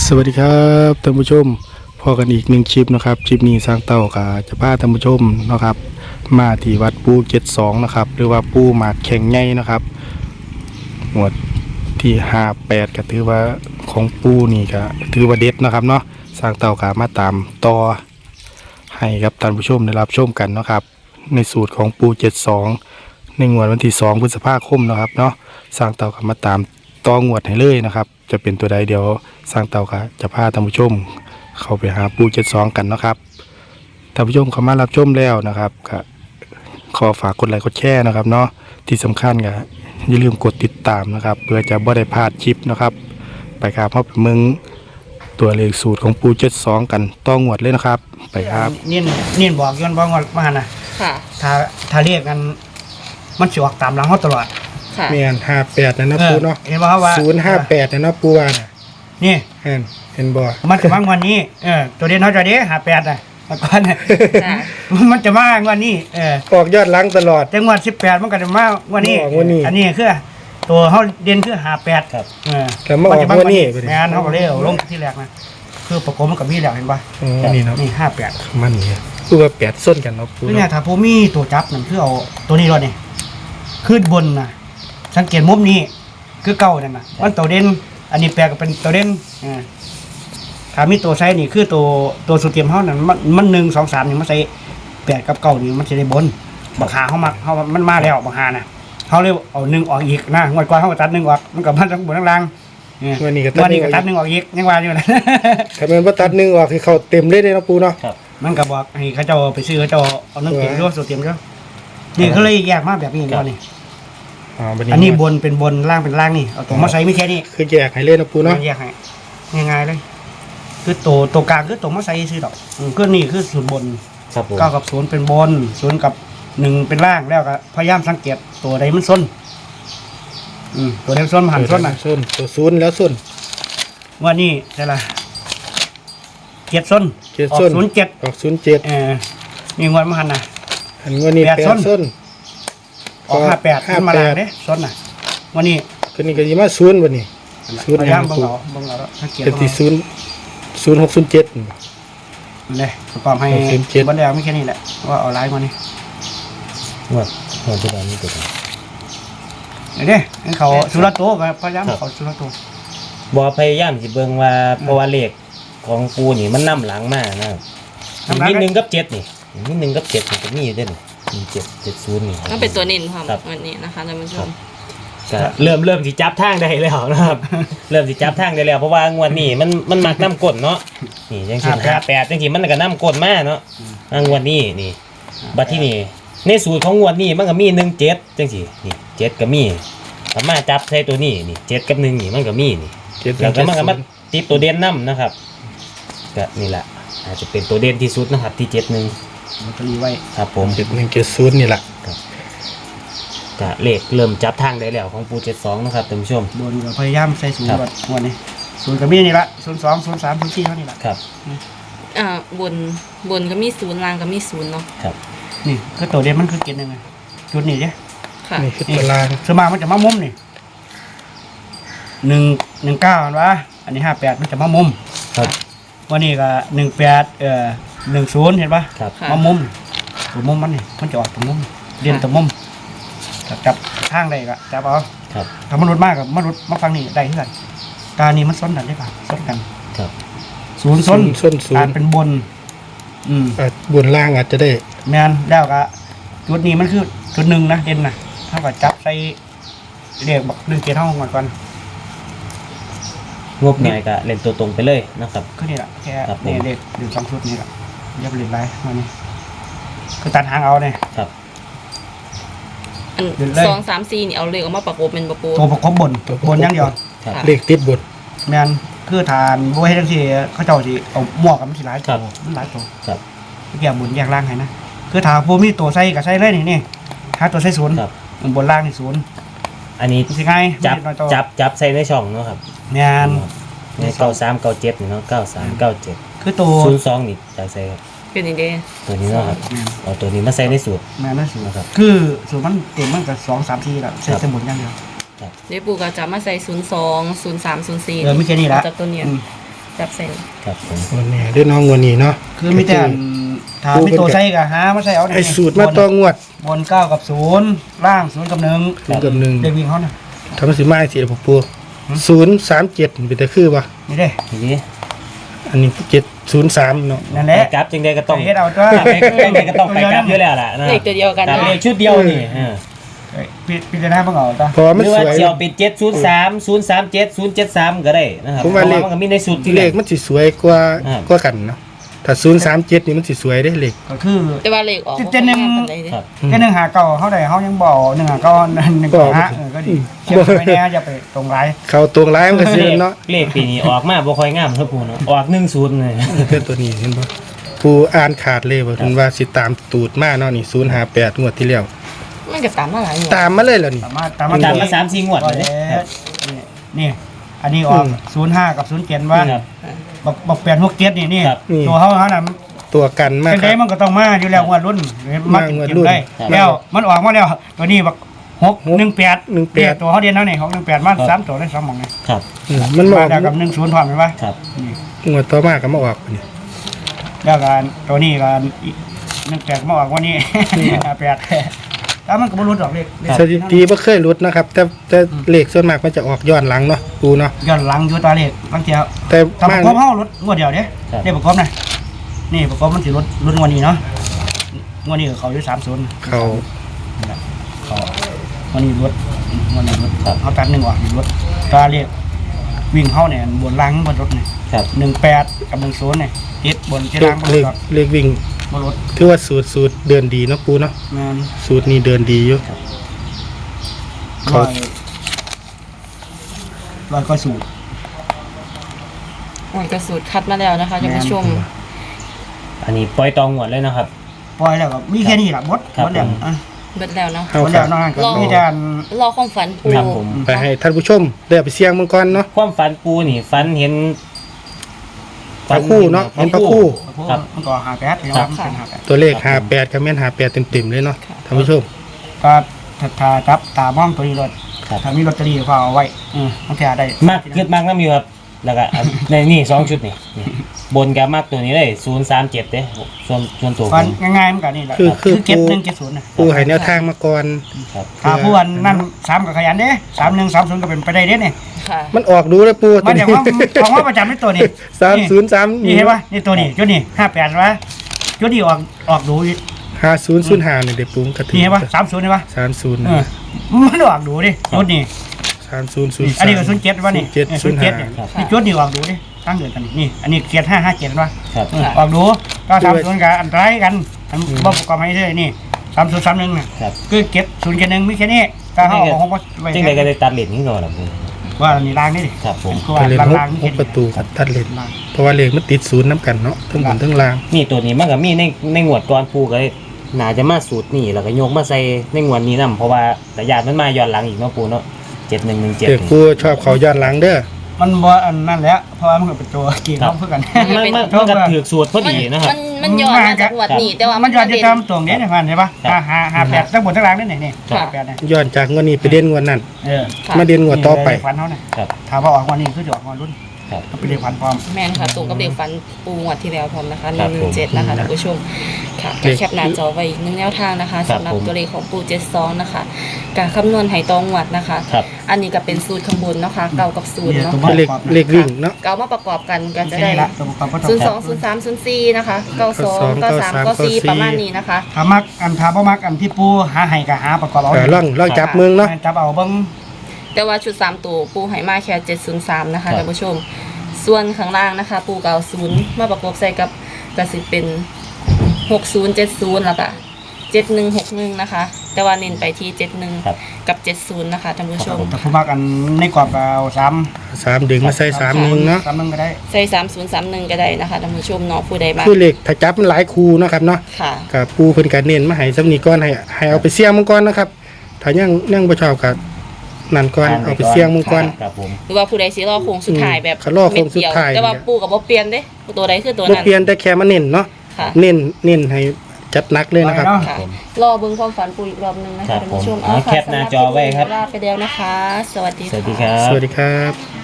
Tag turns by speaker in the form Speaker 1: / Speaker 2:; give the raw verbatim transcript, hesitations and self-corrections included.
Speaker 1: สวัสดีครับท่านผู้ชมพอกันอีกหนึ่งคลิปนะครับคลิปนี้สร้างเต่ากาจะพาท่านผู้ชมนะครับมาที่วัดปูเจ็ดสองนะครับหรือว่าปูหมากแข็งใหญ่นะครับหมวดที่ห้าแปดก็ถือว่าของปูนี่ก็ถือว่าเด็ดนะครับเนาะสร้างเต่ากามาตามต่อให้ครับท่านผู้ชมได้รับชมกันนะครับในสูตรของปูเจ็ดสองในงวดวันที่สองพฤษภาคมนะครับเนาะสร้างเต่ากามาตามต่องวดให้เลยนะครับจะเป็นตัวใดเดี๋ยวสร้างเต่าค่ะจะพาท่านผู้ชมเข้าไปหาปูเจ็ดสองกันนะครับท่านผู้ชมเข้ามารับชมแล้วนะครับก็ขอฝากกดไลค์กดแชร์นะครับเนาะที่สำคัญก็อย่าลืมกดติดตามนะครับเพื่อจะบ่ได้พลาดคลิปนะครับไปครับเพราะเป็นมึงตัวเลขสูตรของปูเจ็ดสองกันต้องงวดเลยนะครับไปครับ
Speaker 2: เนียนเนียนบอกย้อนบอกว่ามานะ
Speaker 3: ค่ะ
Speaker 2: ถ้าถ้าเรียกกันมันสิออกตามหลังเขาตลอด
Speaker 3: ค่ะ
Speaker 1: เมียนห้าแปดนะนะปูเนาะ
Speaker 2: เห็นบอกว่า
Speaker 1: ศูนย์ห้าแปดนะนะปูว่าน่ะ
Speaker 2: นี่
Speaker 1: เห็นเห็นบ่
Speaker 2: มันจะมางวันนี้เออตัวเด่นเขาจะเด้หาแปดอ่ะมาก่อนมันจะมางวันนี้เออ
Speaker 1: ออกยอดล้างตลอด
Speaker 2: แต่งวดสิบแปดมันก็จะมาวันนี้อันนี้คือตัวเขาเด่นคือหาแปด
Speaker 1: ครับ
Speaker 2: เออ
Speaker 1: แต่มาออกวันนี้
Speaker 2: งานเขาก็เรียกลงที่แรกนะคือประกบมันกับมีแหลกเห็นป่ะ
Speaker 1: นี่เนาะ
Speaker 2: นี่ห้าแปด
Speaker 1: มันนี่คือว่าแปดส้นกันเนาะปู
Speaker 2: เนี่ยถ้าผมมีตัวจับนั่นคือเอาตัวนี้รถนี่ขึ้นบนนะสังเกตมุมนี้คือเก่านั่นนะมันตัวเด่นอันนี้แปลก็เป็นตัวเด่นอ่าถ้ามีตัวไซนี่คือตัวตัวสุดเทียมเขานั่นมันมันหนึ่งสองสามนี่มันใส่แปดกับเก่านี่มันจะได้บนบักหาเขามาเขามันมาแล้วบักหานะเขาเรียกเอาหนึ่งออกอีกนะงวดก่อนเขาตัดหนึ่งออกมันกับมันทั้งบนทั้งล่าง
Speaker 1: วันนี้ก็
Speaker 2: ตัดหนึ่งออกอีกยังว่าอยู่นะ
Speaker 1: ถ้ามันว่าตัดหนึ่งออกคือเขาเต็มเลยเลยนะปูเนาะ
Speaker 2: มันกับบอกให้เขาเจ้าไปซื้อเขาเจ้าเอาหนึ่งเต็มด้วยสุดเทียมด้วยนี่เขาเลยแยกมาแบบนี้ก่อนนี่อันนี้บนเป็นบนล่างเป็นล่างนี่เอาตัวมาใส่ไม่แค่นี้
Speaker 1: คือแยกให้เล่นนะปูเนาะ
Speaker 2: แยกให้ง่ายๆเลยคือตัวตัวกลางคือตัวมาใส่ซื้อดอกก็นี่คือศูนย์บนเก้ากับศูนย์เป็นบนศูนย์กับหนึ่งเป็นล่างแล้วก็พยายามสังเกตตัวใดมันส้นอืมตัวใดส้นหันส้นน่ะ
Speaker 1: ส้นตัวศูนย์แล้วส้น
Speaker 2: ว่านี่ใช่ละเจ็ดส้นออกศูนย์เจ็ด
Speaker 1: ออกศูนย์เจ็ด
Speaker 2: เออมีงวดมาหันน่ะ
Speaker 1: อันวันนี้แปดส้น
Speaker 2: ออกห้าแปดขึ้นมาล่างเด้ส้นน่ะวันนี้
Speaker 1: คืนนี้ก็ยี่มาศูนย์วันนี้
Speaker 2: ศูนย์พยายามบังเอาบังเอาแล้วเ
Speaker 1: จ็ดที่ศูนย์ศูนย์หกศูนย์เจ็ด
Speaker 2: เลยประกอบให้บันไดไม่แค่นี้แหละว่าเอาไลน์มานี่
Speaker 1: ว่าว่าจะได้ไม่ตัว
Speaker 2: เด้เขาสุรโตพยายามเขาสุรโต
Speaker 4: บ่พยายามสิเบิ่งว่าเพราะว่าเลขของปูนี่มันนำหลังมากนะครับมีหนึ่งกับเจ็ดนี่มีหนึ่งกับเจ็ดมันก็มีเด่นมีเจ็ดเจ็ดศูนย์นี่
Speaker 3: ต้องเป็นตัวเน้นความวันนี้นะคะท่านผู้ชม
Speaker 4: ก็เริ่มเริ่มสิจับทางได้แล้วนะครับเริ่มสิจับทางได้แล้วเพราะว่างวดนี้มันมันมักน้ำก้นเนาะนี่จังซี่ห้าแปดจังซี่มันก็น้ำก้นมาเนาะงวดนี้นี่บัดที่นี่ในสูตรของงวดนี้มันก็มีหนึ่งเจ็ดจังซี่นี่เจ็ดก็มีสามารถจับใส่ตัวนี้นี่เจ็ดกับหนึ่งนี่มันก็มีนี่แล้วก็มันก็มาติดตัวเด่นน้ำนะครับก็นี่แหละอาจจะเป็นตัวเด่นที่สุดนะครับที่เจ็ดหนึ่ง
Speaker 2: มันก็รีไว้
Speaker 4: ครับผม
Speaker 1: เจ็ดหนึ่งเจ็ดศูนย์นี่แหละ
Speaker 4: ก็เลขเริ่มจับทางได้แล้วของปูเจ็ดสองนะครับท่านผู้ชม
Speaker 2: บนก็พยายามใส่ศูนย์แบบวันนี้ศูนย์กับมีนี่ละศูนย์สองศูนย์สามศูนย์สี่เท่านี้ละ
Speaker 4: ครับ
Speaker 3: อ่าบนบนก็มีศูนย์ล่างก็มีศูนย์เนาะ
Speaker 4: ครับ
Speaker 2: นี่คือตัวเด่นมันคือเกณฑ์ยังไงจุดนี้เนี่ย
Speaker 3: ค่ะ
Speaker 1: นี่คือตัวล่าง
Speaker 2: สมามันจะมามุมนี่หนึ่งหนึ่งเก้าอันวะอันนี้ห้าแปดมันจะมามุม
Speaker 4: ครับ
Speaker 2: วันนี้ก็หนึ่งแปดเอ่อหนึ่งศูนย์เห็นปะ
Speaker 4: ครับ
Speaker 2: มามุมตัวมุมมันนี่มันจะออกตัวมุมเด่นตัวมุมจับทางได้ก็จับเอา
Speaker 4: ครับ
Speaker 2: ถ้ามนุษย์มากกับมนุษย์มาฟังนี่ได้ที่ไหนตานี่มันซ้อนกันได้ป่ะซ้อนกัน
Speaker 4: ครับ
Speaker 2: ศูนย์ซ้อน
Speaker 1: ซ้นศูนย์
Speaker 2: การเป็นบนอืม
Speaker 1: บนล่างอาจจะได้
Speaker 2: แมนแล้วก็จุดนี้มันคือจุดหนึ่งนะเด่นนะเท่ากับจับใส่เรียกบอกหนึ่งเกียร์เท่าก่อนก่อน
Speaker 4: งบหน่อยก็เล่นตัวตรงไปเลยนะครับ
Speaker 2: ก็นี่แหละแค่เนี่ยเด็กอยู่สองชุดนี่แหละยับเล่นไรมานี่คือตัดหางเอาเนี่ย
Speaker 4: ครับ
Speaker 3: สองสามสี่นี่เอาเลขออกมาประกบเป็นประกบ
Speaker 2: ตัวประกบบนบนยังเดียว
Speaker 1: เลขติดบน
Speaker 2: แมนคือทานบัวให้ทั้งสี่เขาเจ้าสิเอาหมวกกับมันสิหลายตัวมันหลายตัว
Speaker 4: ครับ
Speaker 2: แยกบนแยกล่างให้นะคือถ้าพวกมีตัวใส่กับใส่เลยนี่นี่ถ้าตัวใส่ศูนย์บนล่างนี่ศูนย์
Speaker 4: อันนี้
Speaker 2: สิไง
Speaker 4: จับจับจับใส่ในช่องเนาะครับ
Speaker 2: แมน
Speaker 4: ในเก้าสามเก้าเจ็ดเนาะเก้าสามเก้าเจ็ด
Speaker 2: คือตัว
Speaker 4: ศูนย์สองนี่จับใส่ครับ
Speaker 3: เป็นนี่เด้
Speaker 4: ตัวนี้เนาะครับเอาตัวนี้มาใส่ในสูตร
Speaker 2: แมนในสูตรครับคือสูตรมันเต็มมันกับสองสามทีแล้วใส่สมุนอย่างเดียว
Speaker 3: เดี๋ยวปู่ก็จะมาใส่ศูนย์สองศูนย์สามศูนย์สี่
Speaker 2: เออไม่แค่นี้ละ
Speaker 3: จากตัวเนี้ยจับใส่
Speaker 4: ครับผม
Speaker 1: วันนี้เด้อน้องวันนี้เนาะ
Speaker 2: คือมีแต่อันถามมีตัวใส่ก็หามาใส่เอา
Speaker 1: ไอ้สูตรมาต่องวด
Speaker 2: บนเก้ากับศูนย์ล่างศูนย์กับหนึ่ง
Speaker 1: ศูนย์กับหนึ่ง
Speaker 2: เด็กวิ่งเขาน่ะ
Speaker 1: ทำสิมาสิผมปูศูนย์สามเจ็ดเป็นแต่คือป่ะ
Speaker 2: นี่เด้
Speaker 4: ทีนี้
Speaker 1: อันนี้เจ็ดศูนย์สามเนาะ
Speaker 2: นั่น
Speaker 4: ไป
Speaker 2: แหละ
Speaker 4: กลับจึงได้ก็ต้อง
Speaker 2: ไปเฮ็ดเอาตัว
Speaker 4: ไปจังใดก็ต้องไปกลับอยู่แล้วล่ะนะ
Speaker 3: เลขตัวเดียวกัน
Speaker 4: ครับ
Speaker 3: เนาะ
Speaker 4: เลขชุดเดียวนี่เออ
Speaker 2: เอ้ยพิพิจารณาเพิ่งเอาตัว
Speaker 1: เพราะว่า
Speaker 4: ห
Speaker 1: มัน
Speaker 4: รือ
Speaker 1: ส
Speaker 4: ว่า
Speaker 1: วย
Speaker 4: เสี่ยวปิดเจ็ดศูนย์สามศูนย์สามเจ็ดศูนย์เจ็ดสามก็ได้นะครับ
Speaker 1: ผมว่าเลข
Speaker 4: พระมันก็มีในสูตรที่
Speaker 1: เลขมันสิสวยกว่า
Speaker 4: อ่า
Speaker 1: กว่ากันเนาะถ้าศูนย์สามเจ็ดนี่มันสิสวยได้เลข
Speaker 2: ก็คือ
Speaker 3: แต่ว่าเลขออก
Speaker 2: เจ็ดหนึ่ง
Speaker 3: บ่ค่อยงามปานใดเด้
Speaker 4: ครับ
Speaker 2: แค่หนึ่งหาเก่าเขาได้เขายังบอกหนึ่งหาเก่าหนึ่งหาห้าเออก็ดีเชื่อไปแน่อย่าไปตรงไร
Speaker 1: เขาตวงร้ายมันก็ซื้อเนาะ
Speaker 4: เลขปีนี้ออกมาบ่ค่อยงามครับปูเนาะออกหนึ่งศูนย์เลย
Speaker 1: เพื่อนตัวนี้เห็นป่ะปูอ่านขาดเลยว่าเพิ่นว่าสิตามตูดมาเนาะนี่ศูนย์ห้าแปดงวดที่แล้ว
Speaker 3: มันก็ตามมาหลายอยู่
Speaker 1: ตามมาเลยแล้วนี่
Speaker 2: สามารถตามมา
Speaker 4: ตามมาสามสี่งวดเลย
Speaker 2: แล้วนี่นี่ อันนี้ออกศูนย์ห้ากับศูนย์เจ็ดว่า
Speaker 4: ครับ
Speaker 2: บอกบอกเปลี่ยนหกเจ็ดนี่นี่
Speaker 4: ครับ
Speaker 2: ตัวเขาเขาน่ะ
Speaker 1: ตัวกันมาก
Speaker 2: เป็น
Speaker 1: ค
Speaker 2: ไง
Speaker 1: รับ
Speaker 2: มันก็ต้องมาอยู่แล้วงวดรุ่นมากิน
Speaker 1: งวด
Speaker 2: กิน
Speaker 1: รุ่น
Speaker 2: ได้
Speaker 4: ครับ
Speaker 2: แล้วมันออกมาแล้วตัวนี้บอกหกหนึ่งแปด
Speaker 1: หนึ่งแปด
Speaker 2: ตัวเขาเดียนแล้วนี่หกหนึ่งแปดมาสามตัวได้สองหมองนี่
Speaker 4: ครับ
Speaker 1: อืมมันบอ
Speaker 2: มาก แล้วกับหนึ่งศูนย์พร้อมไหมวะ
Speaker 4: ครับ
Speaker 2: นี่
Speaker 1: งวดต่อมาก็มาออกนี่
Speaker 2: แล้วกันตัวนี้กันหนึ่งแปดมาออกวันนี้ แปดแล้วมันก็บ่รู้ดอกเลขเลข
Speaker 1: สถิติบ่เคยหลุดนะครับ แต่แต่เลขส่วนมากมันจะออกย้อนหลังเนาะปูเนาะ
Speaker 2: ย้อนหลังอยู่ตาเลขบางเที
Speaker 1: แต่
Speaker 2: ตามป
Speaker 1: มา
Speaker 2: ระกอบเฮารถงวดเดียวเด้เลขประกอบนะนี่ประกอบมันสิรถรถงวดนี้เนาะงวดนี้ก็เขาอยู่สามศูนย์
Speaker 1: เขา
Speaker 2: เขาวันนี้รถวันนี้รถเขาตัดหนึ่งออกอยู่รถตาเลขวิ่งเข้าเนี่ยบนล่างบนรถเนี่ย
Speaker 4: ครับ
Speaker 2: หนึ่งแปดกับหนึ่งศูนย์เนี่ยติดบนเจ
Speaker 1: เล
Speaker 2: ล่า
Speaker 1: ข
Speaker 2: งบน
Speaker 1: เล
Speaker 2: ร
Speaker 1: ข
Speaker 2: ถ
Speaker 1: เลขวิ่ง
Speaker 2: บนรถ
Speaker 1: ถือว่าสูตรสูตรเดินดีเนาะปูเนาะ
Speaker 2: แม่น
Speaker 1: สูตรนี้เดินดีอยู่ เขา
Speaker 2: ร้อยร้อยก็สูตร
Speaker 3: มันก็สูตรคัดมาแล้วนะคะท่านผู้ชม
Speaker 4: อันนี้ปล่อยตองงวดเลยนะครับ
Speaker 2: ปล่อยแล้วก็มีแค่นี้แหละบด
Speaker 4: ครับ
Speaker 2: บดแล้ว
Speaker 4: ผม
Speaker 2: อ่ะ
Speaker 3: เบิดแล้วเนาะ
Speaker 1: เฮา
Speaker 2: บด
Speaker 1: ค
Speaker 2: แล้
Speaker 1: รั
Speaker 2: ว
Speaker 1: บ
Speaker 2: นอกนั้นก็
Speaker 3: รอ
Speaker 2: มีแต่อัน
Speaker 3: รอความฝันปู
Speaker 4: ครับผม
Speaker 1: ไปให้ท่านผู้ชมได้เอาไปเสี่ยงมังกรเนาะ
Speaker 4: ความฝันปูนี่ฝันเห็น
Speaker 1: พระคู่เนาะเห็นพระคู่
Speaker 4: ครับ
Speaker 2: มันก็หาแปดเห็นไหมมันเป็นหาแปด
Speaker 1: ตัวเลขห้าแปดกับแม่นห้าแปดเต็มๆเลยเนาะท่านผู้ชม
Speaker 2: ก็ถ้าถ้าจับตามองตัวนี้รถ
Speaker 4: ครับ
Speaker 2: ถ้ามีลอตเตอรี่ก็เอาไว้อืมมันแท้ได้
Speaker 4: มากเกิดมากน้ำอยู่ครับ แล้วก็อัน ในนี่สองชุดนี่นี่บนกับมากตัวนี้เลยศูนย์สามเจ็ดเด้ส่วนส่วนตัวผ
Speaker 2: ฟัน
Speaker 4: ม
Speaker 2: ง่ายๆมันก็นี่แหละ
Speaker 1: คือคือ
Speaker 2: เก็บ
Speaker 1: ปู
Speaker 2: หนึ่งเก็บศูนย์นะ
Speaker 1: ปูให้แนวทางมาก่อน
Speaker 4: ครับ
Speaker 2: ถ้าผู้อันนั่นสามกับขยันเด้สามหนึ่งสามศูนย์ก็เป็นไปได้เด้เนี่ย
Speaker 3: ค่ะ
Speaker 1: มันออกดูเลยปู
Speaker 2: มันอย่างว่าของว่าประจำในตัวนี้
Speaker 1: สามศูนย์สาม
Speaker 2: นี่เห็นปะนี่ตัวนี้จุดนี้ห้าแปดวะจุดนี้ออกออกดูอีก
Speaker 1: ห้าศูนย์ศูนย์ห้าเนี่ยเด็กปูกระถิ่
Speaker 2: นี่เห็นปะสามศูนย์เห็นปะ
Speaker 1: สามศูนย์
Speaker 2: เออมันออกดูดิจุดนี้
Speaker 1: สามศูนย์ศูนย์
Speaker 2: อันนี้ก็ศูนย์เจ็ดวะนี่
Speaker 1: เจ็ด
Speaker 2: เออ
Speaker 1: ศูนย์
Speaker 2: เจ็
Speaker 1: ห้า
Speaker 2: ดเนี่ยนี่จุดนี้ออกดูดิตั้งเดือนกันนี่นี่อันนี้เกียรห้าห้าเจ็ดวะ
Speaker 4: ครับ
Speaker 2: เออออกดูก็สามศูนย์กับอันตรายกันอันบ่ประกอบให้เลยนี่สามศูนย์สามหนึ่งน่ะ
Speaker 4: ครับ
Speaker 2: คือเก็บศูนย์เก็บหนึ่งมีแค่นี้ถ้าเขาเอาของไว้
Speaker 4: จึงได้ก็ได้ตัดเหรียญนี้ก่อนนะปู
Speaker 2: ว่าอันนี้ล้างนี่ดิ
Speaker 4: ครับผม
Speaker 2: คือ
Speaker 1: ไป
Speaker 2: ว่า
Speaker 1: เล่น
Speaker 2: ล้าง
Speaker 1: หก
Speaker 2: ล้าง
Speaker 1: หกประตูครับตัดเล่นเพราะว่าเลขมันติดศูนย์น้ำกันเนาะทั้งบนทั้งล่าง
Speaker 4: นี่ตัวนี้มันก็มีในในงวดก่อนปูก็เลยน่าจะมาสูตรนี่แล้วก็โยกมาใส่ในงวดนี้นํเพราะว่าแต่ญาติมันมาย้อนหลังอีกเนาะปูเนาะเจ็ดหนึ่งหนึ่งเจ็ด
Speaker 1: เด็กปูชอบเขาย้อนหลังเด้อ
Speaker 2: มันบ่อันนั่นแหละเพราะว่ามันก็เป็นตัวกี่เขาเพื่อกัน
Speaker 4: มันมันมันก็ถือสูตรพอดีนะครับ
Speaker 3: มันมันย้อนมาจากงวดนี้แต่ว่า
Speaker 2: มั
Speaker 3: มัน
Speaker 2: ย้อนจะตามตรงนี้เนี่ยพันใช่ปะ
Speaker 4: ครับ
Speaker 2: หาหาแปดทั้งหมดทั้งล่างนี่นี่นี่
Speaker 3: ครับ
Speaker 2: ห้าแปดเนี่ย
Speaker 1: ย้อนจากงวดนี้ไปเด่นงวดนั้น
Speaker 2: เออ
Speaker 3: ค่ะ
Speaker 1: มาเด่นงวดต่อไป
Speaker 2: ฟันเขาเนี่ย
Speaker 4: ครับ
Speaker 2: ถามว่าออกวันนี้คือจะออกวันรุ่น
Speaker 4: ครับ
Speaker 2: มันเป็นเลขฟันพร้อม
Speaker 3: แม่นค่ะตรงกับเด็กฝันปูงวดที่แล้วพร้อมนะคะห
Speaker 4: ครั
Speaker 3: นึ่
Speaker 4: บ
Speaker 3: งหนึ่งเจ็ดนะคะท่านผู้ชมค่ะ
Speaker 1: เลข
Speaker 3: แคปหน้าจอไว้อีกหนึ่งแนวทางนะคะ
Speaker 4: ครับ
Speaker 3: สำหรับ
Speaker 4: ผม
Speaker 3: ตัวเลขของปูเจ็ดสองนะคะการคำนวณไหตองวดนะคะ
Speaker 4: ครับ
Speaker 3: อันนี้ก็เป็นสูตรข้างบนเนาะค่ะเก่ากับศูนย์เนาะ
Speaker 1: เลขเลขวิ่งเนาะ
Speaker 3: เก่ามาประกอบกันก็จะ
Speaker 2: แค่
Speaker 3: ได้
Speaker 2: นี้ละตัวประกอบก็ต้อ
Speaker 3: ศูน
Speaker 2: ง
Speaker 3: ย์สองศูนย์สามศูนย์สี่นะคะเก้าสองเก้าสามเก้าสี่ประมาณนี้นะคะ
Speaker 2: ถามักอันถามว่ามักอันที่ปูหาให้กับหาประกอบเอา
Speaker 1: เออล่องล่องจับเมืองเนาะ
Speaker 2: จับเอาเบิ้ง
Speaker 3: แต่ว่าชุดสามตัวปูไหมาแค่เจ็ดศูนย์สามนะ
Speaker 4: ครั
Speaker 3: คะ
Speaker 4: บ
Speaker 3: ท่านผู้ชม ส่วนข้างล่างนะคะ ปูเก่าศูนย์มาประกอบใส่กับกระสิเป็นหกศูนย์เจ็ดศูนย์แล้วก็เจ็ดหนึ่งหกหนึ่งนะคะ แต่ว่าเน้นไปที่เจ็ดหนึ่ง
Speaker 4: ครับ
Speaker 3: กับเจ็ดศูนย์นะคะท่านผู้ชม
Speaker 2: แต่ผู้มักอันในกรอบก็เอาสาม
Speaker 1: สามดึงมาใส่สามหนึ่งเนาะ
Speaker 2: สามหนึ่งก็ได้
Speaker 3: ใส่สามศูนย์สามหนึ่งก็ได้นะคะท่านผู้ชมเนาะผู้ใดมา
Speaker 1: คือเลขถ้าจับมันหลายคูเนาะครับเนาะ
Speaker 3: ค่ะ
Speaker 1: กับปูเพิ่นก็เน้นมาให้สำนีก่อนให้ให้เอาไปเสี่ยงมังกรนะครับถ้ายังยังบ่ชอบก็นั่นก่อนเอาไปเสี่ยงมังกร
Speaker 4: ครับผม
Speaker 3: หรือว่าผู้ใดสิรอโค้งสุดท้ายแบบ
Speaker 1: เขารอโค้งสุดท้าย
Speaker 3: เม็เดีวแต่ว่าปูกับบ่เปลี่ยนเด้ตัวใดคือตัว
Speaker 1: บ่
Speaker 3: นั้น
Speaker 1: เปลี่ยนแต่แค่มาเน้นเนาะ
Speaker 3: ค่ะ
Speaker 1: เน้นเน้นให้จัดหนักเลยนะครับ
Speaker 2: เอาเนาะ
Speaker 3: ค่ะรอเบิ่งความฝันปูอีกรอบหนึงนะ
Speaker 4: ครั
Speaker 3: คะ
Speaker 4: บ
Speaker 3: ท่านผู้ชม
Speaker 4: ผมเอาแคปหน้าจอไว้ครับ
Speaker 3: ลาไปแล้วนะคะ สวัสดี
Speaker 4: สวัสดี
Speaker 3: ค่ะ
Speaker 4: ครับ
Speaker 1: สวัสดีครับ